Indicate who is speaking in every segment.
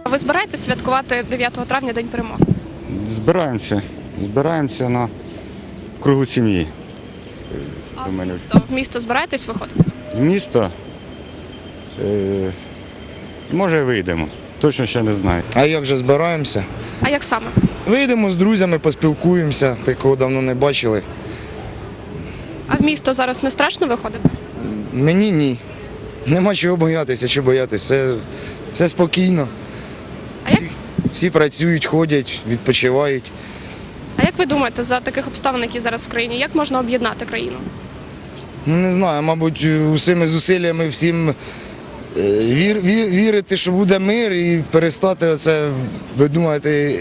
Speaker 1: Ви збираєтесь святкувати 9 травня День перемоги?
Speaker 2: Збираємося в кругу сім'ї.
Speaker 1: А в місто збираєтесь виходити?
Speaker 2: В місто, може, вийдемо, точно ще не знаю.
Speaker 3: А як же збираємося?
Speaker 1: А як саме?
Speaker 3: Вийдемо з друзями, поспілкуємося, такого давно не бачили.
Speaker 1: А в місто зараз не страшно виходити?
Speaker 3: Мені ні. Нема чого боятися, чи боятися. Все спокійно.
Speaker 1: А як?
Speaker 3: Всі працюють, ходять, відпочивають.
Speaker 1: А як ви думаєте, за таких обставин, які зараз в країні, як можна об'єднати країну?
Speaker 3: Ну, не знаю, мабуть, усіми зусиллями всім вірити, що буде мир і перестати оце видумувати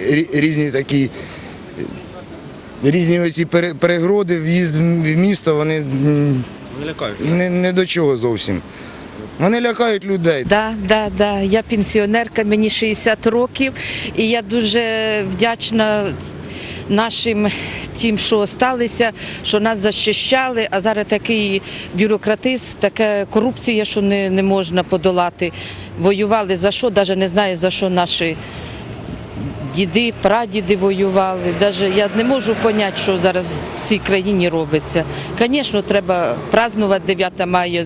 Speaker 3: різні оці перегороди, в'їзд в місто, вони не до чого зовсім. Вони лякають людей.
Speaker 4: Да. Я пенсіонерка, мені 60 років, і я дуже вдячна нашим тим, що залишилися, що нас захищали, а зараз такий бюрократизм, така корупція, що не можна подолати. Воювали за що, навіть не знаю, за що наші діди, прадіди воювали. Навіть я не можу зрозуміти, що зараз в цій країні робиться. Звісно, треба празднувати 9 мая,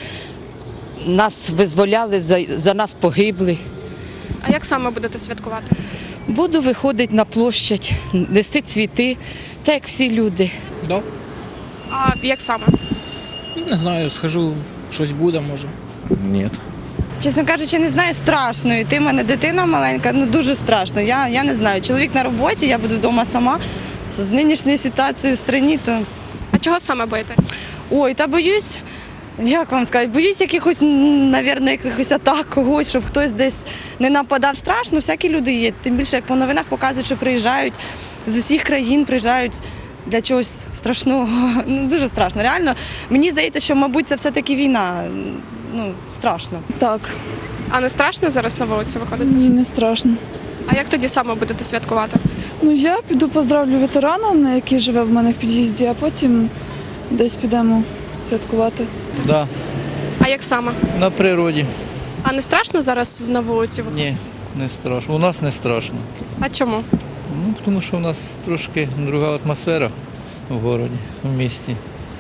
Speaker 4: нас визволяли, за нас погибли.
Speaker 1: А як саме будете святкувати?
Speaker 4: Буду виходити на площадь, нести цвіти, так як всі люди.
Speaker 5: Да.
Speaker 1: А як саме?
Speaker 5: Не знаю, схожу, щось буде, може.
Speaker 6: Ні.
Speaker 7: Чесно кажучи, не знаю, страшно. І ти в мене дитина маленька, дуже страшно. Я не знаю. Чоловік на роботі, я буду вдома сама. З нинішньою ситуацією в країні, то...
Speaker 1: А чого саме боїтесь?
Speaker 7: Ой, та боюсь, як вам сказати, боюсь якихось атак когось, щоб хтось десь не нападав. Страшно, всякі люди є. Тим більше, як по новинах показують, що приїжджають з усіх країн, приїжджають для чогось страшного. Дуже страшно. Реально, мені здається, що, мабуть, це все-таки війна. Страшно.
Speaker 8: Так.
Speaker 1: А не страшно зараз на вулиці виходити?
Speaker 8: Ні, не страшно.
Speaker 1: А як тоді саме будете святкувати?
Speaker 8: Я піду поздравлю ветерана, який живе в мене в під'їзді, а потім десь підемо святкувати.
Speaker 6: Да,
Speaker 1: А як саме?
Speaker 6: на природі.
Speaker 1: А не страшно зараз на вулиці виходити?
Speaker 6: Ні, не страшно. У нас не страшно.
Speaker 1: А чому?
Speaker 6: Тому що у нас трошки друга атмосфера в місті, в місті.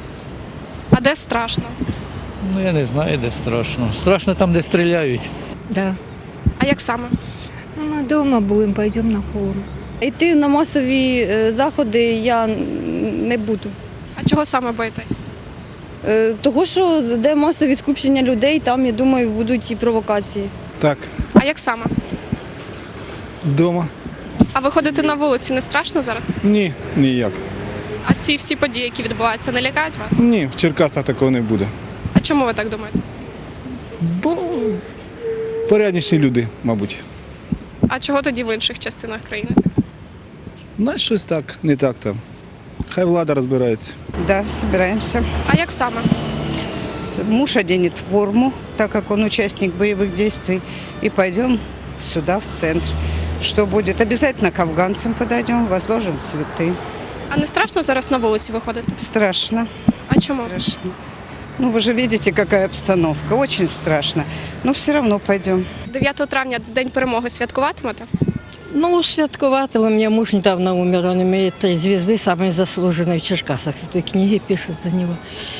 Speaker 1: А де страшно?
Speaker 6: Я не знаю, де страшно. Страшно там, де стріляють.
Speaker 9: Да.
Speaker 1: А як саме?
Speaker 9: Мы дома будем, пойдем на форум. Йти на масові заходи я не буду.
Speaker 1: А чого саме боїтесь?
Speaker 9: Того, що де масові скупчення людей, там, я думаю, будуть і провокації.
Speaker 10: Так,
Speaker 1: А як саме?
Speaker 10: вдома.
Speaker 1: А виходити на вулицю не страшно зараз?
Speaker 10: Ні, ніяк.
Speaker 1: А ці всі події, які відбуваються, не лякають вас?
Speaker 10: Ні, в Черкасах такого не буде.
Speaker 1: А чому ви так думаєте?
Speaker 10: Бо порядніші люди, мабуть.
Speaker 1: А чого тоді в інших частинах країни?
Speaker 10: Знаєш, щось так, не так там. Хай влада розбирається.
Speaker 11: Да, собираемся.
Speaker 1: А як саме?
Speaker 11: Муж оденет форму, так как он участник боевых действий, и пойдем сюда, в центр. Что будет? Обязательно к афганцам подойдем, возложим цветы.
Speaker 1: А не страшно зараз на вулиці виходити?
Speaker 11: Страшно.
Speaker 1: А чому?
Speaker 11: Страшно. Вы же видите, какая обстановка. Очень страшно. Но все равно пойдем.
Speaker 1: 9 травня День перемоги святкуватимете?
Speaker 12: Святкувати, у меня муж недавно умер, он имеет 3 звезды, самый заслуженный в Черкасах. Тут и книги пишут за него.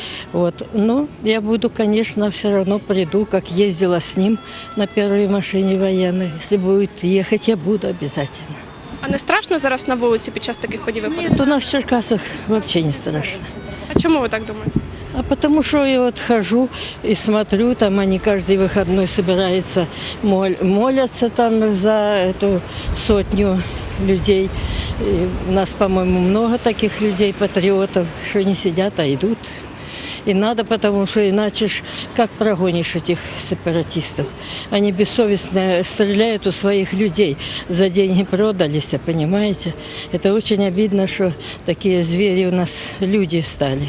Speaker 12: Я буду, конечно, все равно приду, как ездила с ним на первой машине военной. Если будет ехать, я буду обязательно.
Speaker 1: А не страшно зараз на вулиці під час таких подій виходити?
Speaker 12: Нет, у нас в Черкасах вообще не страшно.
Speaker 1: А чому ви так думаєте?
Speaker 12: А потому что я хожу и смотрю, там они каждый выходной собираются, молятся там за эту сотню людей. И у нас, по-моему, много таких людей, патриотов, что не сидят, а идут. И надо, потому что иначе как прогонишь этих сепаратистов? Они бессовестно стреляют у своих людей, за деньги продались, понимаете? Это очень обидно, что такие звери у нас люди стали.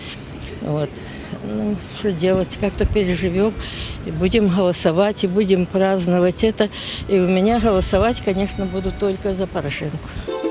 Speaker 12: Что делать, как-то переживем, и будем голосовать, и будем праздновать это. И у меня голосовать, конечно, буду только за Порошенко.